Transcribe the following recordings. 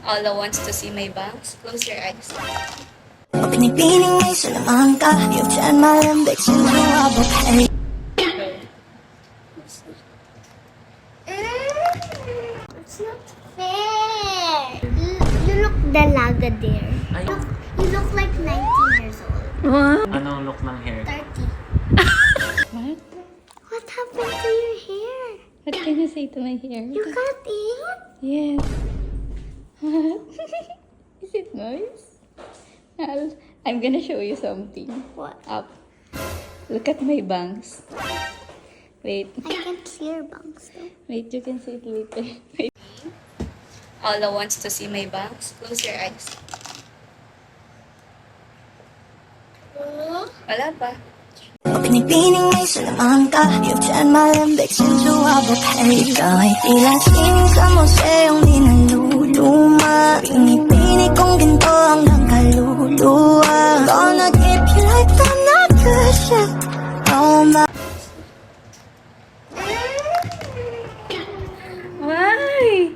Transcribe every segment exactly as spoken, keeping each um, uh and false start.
Alla wants to see my bangs. Close your eyes. Pinipiling may Salamanca, you've turned my limbics into a bouquet. It's not fair. You, you look dalaga there. Ay. Look, you look like nineteen years old. What? Anong look ng hair? thirty. What? What happened to your hair? What can you say to my hair? You got it? Yes. What? Is it nice? I'll, I'm gonna show you something. What? Up. Look at my bangs. Wait. I can't see your bangs though. Wait, you can see it later. Wait. Alla wants to see my bangs. Close your eyes. Wala pa. Pinipiling may Salamanca, you've turned my limbics into a bouquet. Ikaw ay tila sining sa museong di naluluma. Pinipini kong ginto hanggang kaluluwa. Gonna keep you like the nagasya. Oh my. Why?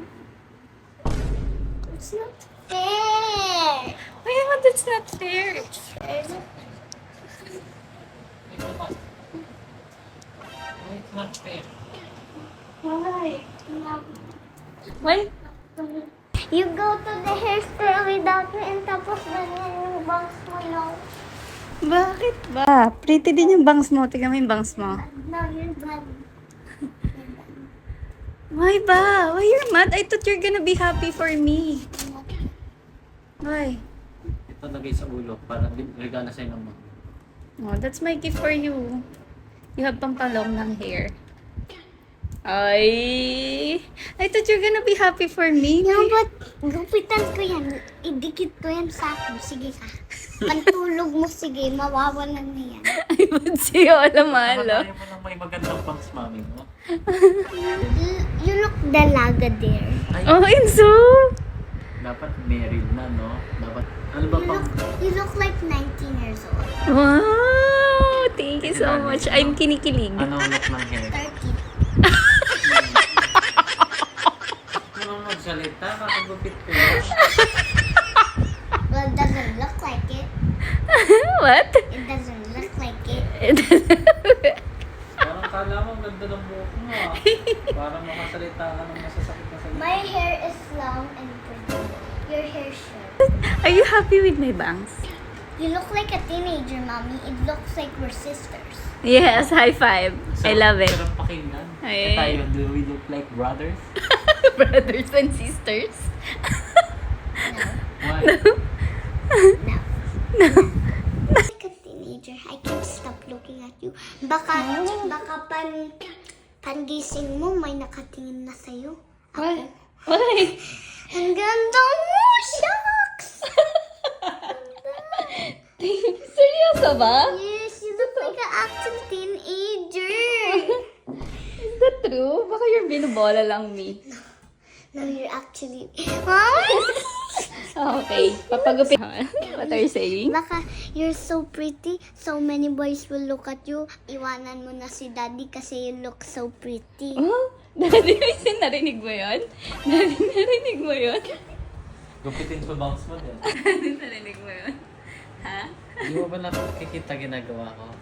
It's not fair. Why naman that's not fair? There's a It's not fair. Why? no. Why? You go to the hair store without me and tapos ganyan yung bangs mo, no? Bakit ba? Pretty din yung bangs mo. Tingnan mo yung bangs mo. No, you're bad. Why ba? Why you're mad? I thought you're gonna be happy for me. Why? Ito lagay sa ulo para di- regalo sa'yo ng mga. Oh, that's my gift for you. You have pampalong ng hair. Ay! I thought you're gonna be happy for me. No, but gupitan ko yan. Idikit ko yan sa akin. Sige ka. Pantulog mo, sige. Mawawalan na yan. I would say, alam malo. Ayaw mo lang may magandang bangs, mami mo. You, you look dalaga there. Ay, Oh, Enzo! dapat married na, no? Dapat, ano ba You pang... look, you look like nineteen years old. Wow! Thank you so much. I'm kinikilig. Anong look ng hair? thirty. Anong magsalita? Kakagupit ko yun. Well, it doesn't look like it. What? It doesn't look like it. Parang kala mo, ang ganda ng buhok mo, ah. Parang makasalita ka ng masasakit na salita. My hair is long and pretty. Your hair short. Are you happy with my bangs? You look like a teenager, mommy. It looks like we're sisters. Yes, high five. I love it. Sarap pakinggan. Ay. Eh tayo, do we look like brothers? Brothers and sisters. Why? No. Like a teenager, I can't stop looking at you. Baka, baka pan, pangising mo, may nakatingin na sa'yo. Why? Why? Ang ganda mo! Shucks! Seryoso ba? Yes, you look like an acting teenager. Is that true? Baka you're binubola lang me. No, you're actually... Huh? Oh, okay. Papagupit. What are you saying? Baka you're so pretty, so many boys will look at you. Iwanan mo na si daddy kasi you look so pretty. Oh, Daddy, Mason, narinig mo yun? Daddy, narinig mo yun? Gupitin ko bangs mo din. Daddy, narinig mo yun? Ha? Di mo ba nakikita ginagawa ko?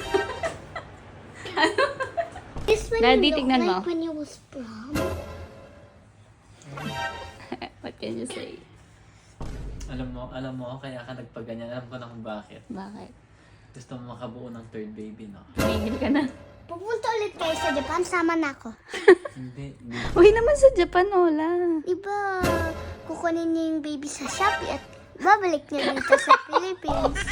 This when Daddy, you look tignan like mo. when you was prom. What can you say? Alam mo, alam mo, kaya ka nagpaganyan. Alam ko na kung bakit. Bakit? Gusto mo makabuo ng third baby, no? Tumigil ka na. Pupunta ulit kayo sa Japan, sama na ako. Hindi, hindi. Uy naman sa Japan, Ola. Diba, kukunin niya yung baby sa Shopee at babalik niya dito sa Philippines.